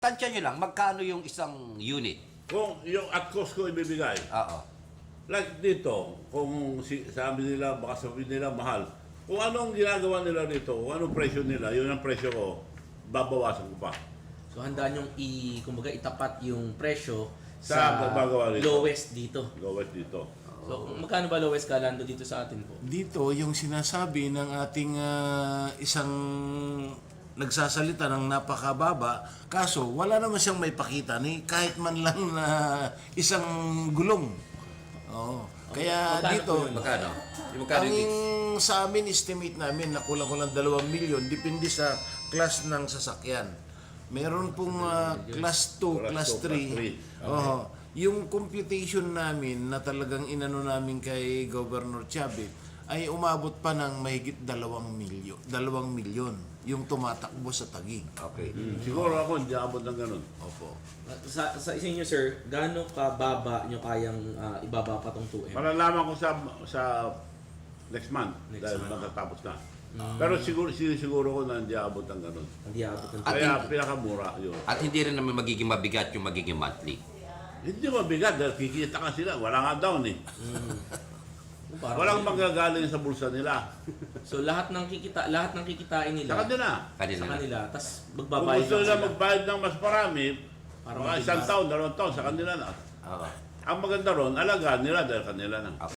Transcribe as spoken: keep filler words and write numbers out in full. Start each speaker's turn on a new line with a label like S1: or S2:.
S1: Tansya nyo lang, magkano yung isang unit?
S2: Kung yung at cost ko ibibigay,
S1: Oo.
S2: like dito, kung si, sabi nila, baka sabihin nila mahal, kung anong ginagawa nila dito, kung anong presyo nila, yun ang presyo ko, babawasan ko pa.
S3: So handaan yung i kumbaga itapat yung presyo
S2: Sa
S3: sa,
S2: gagawa dito.
S3: lowest dito.
S2: Gawin dito.
S3: So magkano ba lowest kalando dito sa atin po?
S4: Dito, yung sinasabi ng ating ah, isang nagsasalita ng napakababa, kaso wala naman siyang may pakita ni kahit man lang na isang gulong. Oo. Kaya
S3: Magkano
S4: dito,
S3: po yun?
S1: Magkano? Yung magkano
S4: ang
S1: yung gigs?
S4: sa amin, estimate namin na kulang-kulang dalawang milyon, depende sa class ng sasakyan. Meron pong ah, class two,
S2: Class
S4: class
S2: two,
S4: three.
S2: class three.
S4: Oo. Yung computation namin na talagang inano namin kay Governor Chavez ay umabot pa ng mahigit dalawang milyon, dalawang milyon yung tumatakbo sa Taguig.
S1: Okay.
S2: Hmm. Siguro ako, hindi abot ng ganun.
S4: Opo.
S3: Sa sa isa niyo sir, gaano kababa niyo kayang ah, ibaba pa tong two M?
S2: Malalaman ko sa sa next month,
S3: Next
S2: dahil
S3: month.
S2: matatapos na. Pero siguro, siguro ko na hindi abot ng ganun.
S3: Hindi abot ng
S1: At
S2: Kaya
S1: hindi-
S2: pinakamura yun.
S1: At hindi rin naman magiging mabigat yung magiging monthly.
S2: Hindi mabigat dahil kikita ka sila. Wala nga down eh.
S3: Parang-
S2: Walang manggagaling sa bulsa nila.
S3: So lahat ng kikita lahat ng kikitain nila
S2: Sa kanila.
S1: Kanila
S3: sa
S1: na.
S3: kanila, tas
S2: Kung
S3: magbabayad
S2: gusto
S3: lang
S2: nila
S3: sila.
S2: magbayad ng mas marami,
S3: Para
S2: mga
S3: mabigyan.
S2: isang taon, dalawang taon, sa kanila na.
S1: Oo.
S2: Ang maganda ron, alagaan nila dahil kanila na.